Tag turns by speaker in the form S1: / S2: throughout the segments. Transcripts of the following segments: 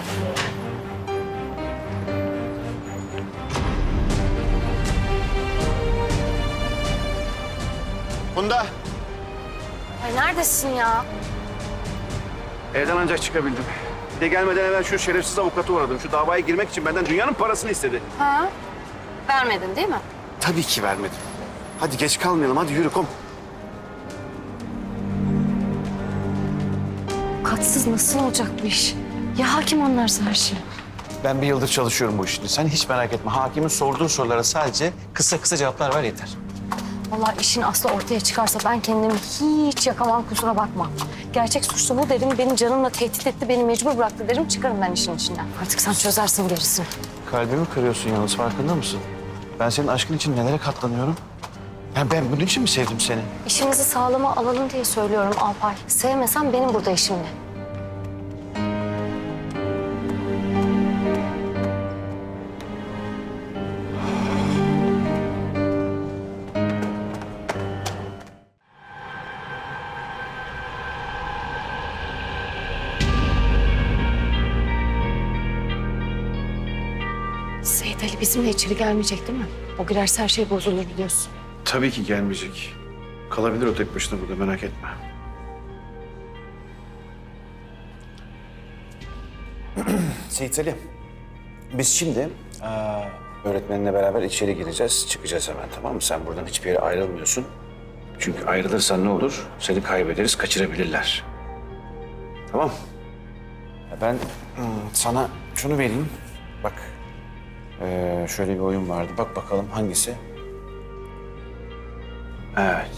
S1: Funda.
S2: Ay neredesin ya?
S1: Evden ancak çıkabildim. Bir de gelmeden evvel şu şerefsiz avukatı uğradım. Şu davaya girmek için benden dünyanın parasını istedi.
S2: Ha? Vermedin değil mi?
S1: Tabii ki vermedim. Hadi geç kalmayalım, hadi yürü kom.
S2: Katsız nasıl olacak bu iş? Ya hakim anlarsa her şey?
S3: Ben bir yıldır çalışıyorum bu işte. Sen hiç merak etme. Hakimin sorduğu sorulara sadece kısa kısa cevaplar ver yeter.
S2: Vallahi işin aslı ortaya çıkarsa ben kendimi hiç yakamam, kusura bakma. Gerçek suçlu bu derim, beni canımla tehdit etti, beni mecbur bıraktı derim, çıkarım ben işin içinden. Artık sen çözersin gerisini.
S3: Kalbimi kırıyorsun yalnız, farkında mısın? Ben senin aşkın için nelere katlanıyorum? Ya ben bunun için mi sevdim seni?
S2: İşimizi sağlama alalım diye söylüyorum Alpay. Sevmesen benim burada işim ne? Seyit Ali bizimle içeri gelmeyecek değil mi? O girerse her şey bozulur biliyorsun.
S1: Tabii ki gelmeyecek. Kalabilir o tek başına burada, merak etme.
S3: Seyit Ali, biz şimdi öğretmenle beraber içeri gireceğiz. Çıkacağız hemen, tamam mı? Sen buradan hiçbir yere ayrılmıyorsun. Çünkü ayrılırsan ne olur? Seni kaybederiz, kaçırabilirler. Tamam. Ben sana şunu vereyim. Bak, şöyle bir oyun vardı. Bak bakalım hangisi? Evet.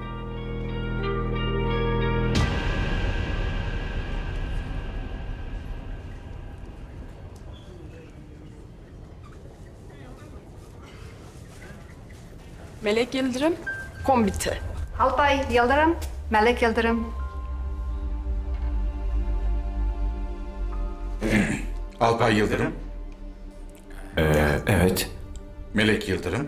S4: Melek Yıldırım, kombite.
S5: Alpay Yıldırım, Melek Yıldırım.
S6: Alpay Yıldırım,
S7: Evet.
S6: Melek Yıldırım.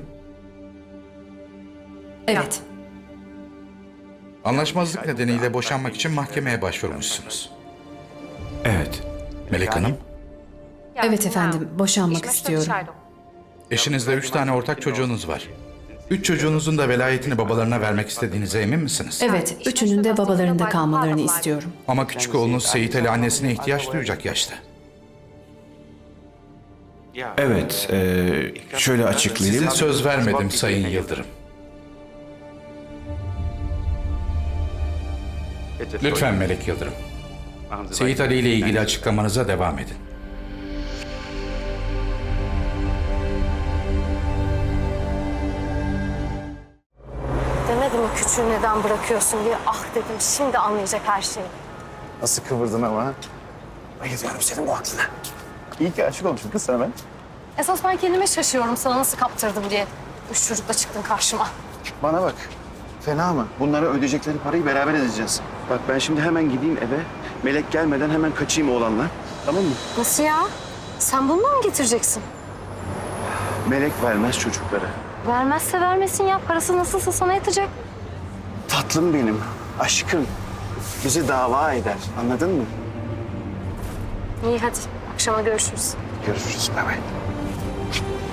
S4: Evet.
S6: Anlaşmazlık nedeniyle boşanmak için mahkemeye başvurmuşsunuz.
S7: Evet.
S6: Melek Hanım,
S8: Evet efendim, boşanmak istiyorum.
S6: eşinizle 3 tane ortak çocuğunuz var. 3 çocuğunuzun da velayetini babalarına vermek istediğinize emin misiniz?
S8: Evet, üçünün de babalarında kalmalarını istiyorum.
S6: Ama küçük oğlunuz Seyit Ali annesine ihtiyaç duyacak yaşta.
S7: Evet. Şöyle açıklayayım.
S6: Size söz vermedim Sayın Yıldırım. Lütfen Melek Yıldırım, Seyit Ali ile ilgili açıklamanıza devam edin.
S2: Demedim mi küçüğü neden bırakıyorsun diye? Ah dedim, şimdi anlayacak her şeyi.
S3: Nasıl kıvırdın ama? Bayılıyorum senin bu aklına. İyi ki aşık olmuşum kız sana ben.
S2: Esas ben kendime şaşıyorum sana nasıl kaptırdım diye. Üç çocukla çıktın karşıma.
S1: Bana bak. Fena mı? Bunlara ödeyecekleri parayı beraber edeceğiz. Bak ben şimdi hemen gideyim eve. Melek gelmeden hemen kaçayım oğlanla. Tamam mı?
S2: Nasıl ya? Sen bunu mu getireceksin?
S1: Melek vermez çocukları.
S2: Vermezse vermesin ya. Parası nasılsa sana yatacak.
S1: Tatlım benim, aşkım. Bizi dava eder. Anladın mı?
S2: İyi hadi. Akşama görüşürüz.
S1: Görüşürüz. Bay bay.